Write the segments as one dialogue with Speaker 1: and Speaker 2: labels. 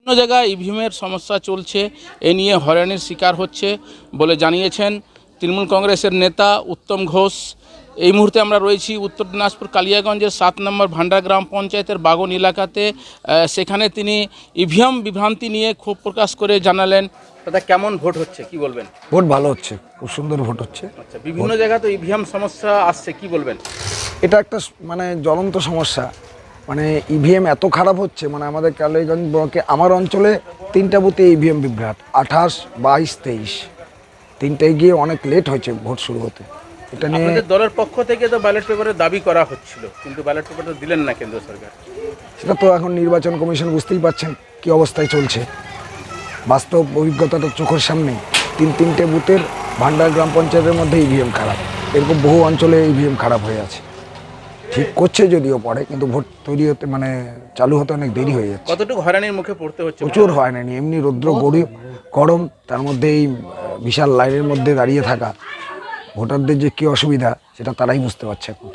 Speaker 1: বিভিন্ন জায়গায় ইভিএমের সমস্যা চলছে, এ নিয়ে হয়রানির শিকার হচ্ছে বলে জানিয়েছেন তৃণমূল কংগ্রেসের নেতা উত্তম ঘোষ। এই মুহূর্তে আমরা রয়েছি উত্তর দিনাজপুর কালিয়াগঞ্জের ৭ নম্বর ভান্ডার গ্রাম পঞ্চায়েতের বাগন এলাকাতে। সেখানে তিনি ইভিএম বিভ্রান্তি নিয়ে ক্ষোভ প্রকাশ করে জানালেন। দাদা, কেমন ভোট হচ্ছে, কি বলবেন?
Speaker 2: ভোট ভালো হচ্ছে, খুব সুন্দর ভোট হচ্ছে।
Speaker 1: আচ্ছা, বিভিন্ন জায়গায় তো ইভিএম সমস্যা আসছে, কি বলবেন?
Speaker 2: এটা একটা জ্বলন্ত সমস্যা। ইভিএম এত খারাপ হচ্ছে, আমাদের কালিয়াগঞ্জ ব্লকে আমার অঞ্চলে 3টা বুথে ইভিএম বিভ্রাট, 28, 22, 23 তিনটায় গিয়ে অনেক লেট হয়েছে ভোট শুরু হতে। এটা নিয়ে
Speaker 1: আপনাদের দলের পক্ষ থেকে তো ব্যালট পেপারের দাবি করা হচ্ছিল, কিন্তু ব্যালট পেপারটা দিলেন না কেন্দ্র সরকার।
Speaker 2: সেটা তো এখন নির্বাচন কমিশন বুঝতেই পারছেন কি অবস্থায় চলছে। বাস্তব অভিজ্ঞতাটা চোখের সামনে। তিনটে বুথের ভান্ডার গ্রাম পঞ্চায়েতের মধ্যে ইভিএম খারাপ। এরকম বহু অঞ্চলে ইভিএম খারাপ হয়ে আছে। ঠিক করছে যদিও পরে, কিন্তু ভোট তৈরি হতে চালু হতে অনেক দেরি হয়ে যাচ্ছে।
Speaker 1: কতটুকু হয়রানির মুখে পড়তে হচ্ছে?
Speaker 2: প্রচুর হয়রানি। এমনি রৌদ্র গরম, তার মধ্যে এই বিশাল লাইনের মধ্যে দাঁড়িয়ে থাকা ভোটারদের যে কি অসুবিধা সেটা তারাই বুঝতে পারছে এখন।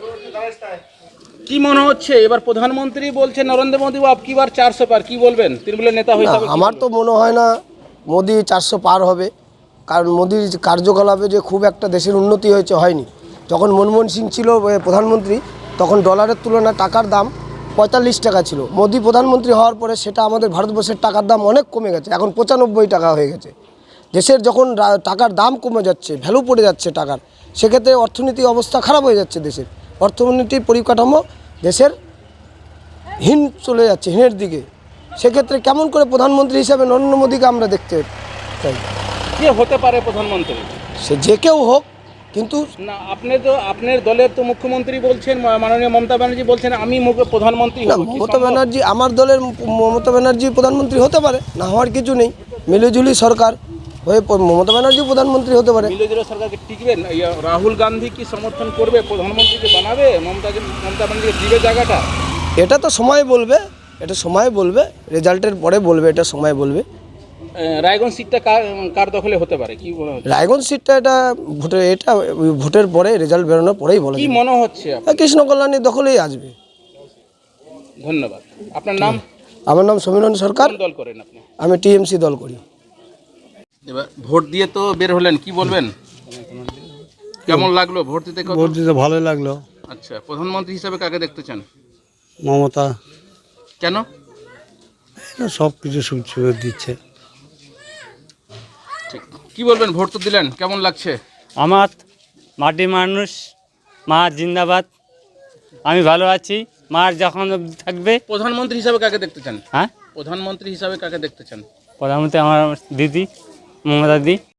Speaker 1: কি মনে হচ্ছে এবার প্রধানমন্ত্রী বলছে নরেন্দ্র মোদী আপকি বার 400 পার, কি বলবেন তৃণমূলের নেতা হিসেবে?
Speaker 3: আমার তো মনে হয় না মোদি 400 পার হবে, কারণ মোদির কার্যকলাপে যে খুব একটা দেশের উন্নতি হয়নি। যখন মনমোহন সিং ছিল প্রধানমন্ত্রী, তখন ডলারের তুলনায় টাকার দাম 45 টাকা ছিল। মোদি প্রধানমন্ত্রী হওয়ার পরে সেটা আমাদের ভারতবর্ষের টাকার দাম অনেক কমে গেছে, এখন 95 টাকা হয়ে গেছে। দেশের যখন টাকার দাম কমে যাচ্ছে, ভ্যালু পড়ে যাচ্ছে টাকার, সেক্ষেত্রে অর্থনীতি অবস্থা খারাপ হয়ে যাচ্ছে। দেশের অর্থনীতির পরিকাঠামো দেশের চলে যাচ্ছে হীনের দিকে। সেক্ষেত্রে কেমন করে প্রধানমন্ত্রী হিসাবে নরেন্দ্র মোদীকে আমরা দেখতে চাই?
Speaker 1: কে হতে পারে প্রধানমন্ত্রী?
Speaker 3: সে যে কেউ হোক, কিন্তু
Speaker 1: না, আপনি তো আপনার দলের তো মুখ্যমন্ত্রী বলছেন, মাননীয় মমতা ব্যানার্জি বলছেন আমি প্রধানমন্ত্রী হব।
Speaker 3: মমতা ব্যানার্জি, আমার দলের মমতা ব্যানার্জি প্রধানমন্ত্রী হতে পারে, না হওয়ার কিছু নেই। মিলিজুলি সরকার হয়ে মমতা ব্যানার্জি প্রধানমন্ত্রী হতে পারে।
Speaker 1: মিলিজুলি সরকারকে টিকবেন? রাহুল গান্ধী কি সমর্থন করবে, প্রধানমন্ত্রীকে বানাবে, মমতা ব্যানার্জিকে দিবে জায়গাটা?
Speaker 3: এটা তো সময় বলবে, রেজাল্টের পরে বলবে, এটা সময় বলবে।
Speaker 1: রায়গঞ্জ সিটটা কার দখলে হতে পারে, কি মনে হচ্ছে?
Speaker 3: রায়গঞ্জ সিটটা ভোটের পরে, রেজাল্ট বেরোনোর পরেই বলা
Speaker 1: কি মনে হচ্ছে?
Speaker 3: কৃষ্ণ কল্যাণীর দখলেই আসবে।
Speaker 1: ধন্যবাদ। আপনার নাম?
Speaker 3: আমার নাম সমীরণ সরকার।
Speaker 1: কোন দল করেন আপনি?
Speaker 3: আমি টিএমসি দল করি।
Speaker 1: এবার ভোট দিয়ে তো বের হলেন, কি বলবেন? কেমন লাগলো ভোট দিতে?
Speaker 4: ভোট দিতে ভালোই লাগলো।
Speaker 1: আচ্ছা, প্রধানমন্ত্রী হিসাবে কাকে দেখতে চান?
Speaker 4: মমতা।
Speaker 1: কেন?
Speaker 4: সব কিছু সুবিধা দিচ্ছে।
Speaker 1: ঠিক, কি বলবেন? ভোট তো দিলেন, কেমন লাগছে?
Speaker 5: আমার মাটি মানুষ, মা জিন্দাবাদ। আমি ভালো আছি, মার যখন থাকবে।
Speaker 1: প্রধানমন্ত্রী হিসাবে কাকে দেখতে চান?
Speaker 5: হ্যাঁ,
Speaker 1: প্রধানমন্ত্রী হিসাবে কাকে দেখতে চান?
Speaker 5: প্রধানমন্ত্রী আমার দিদি মমতা দি।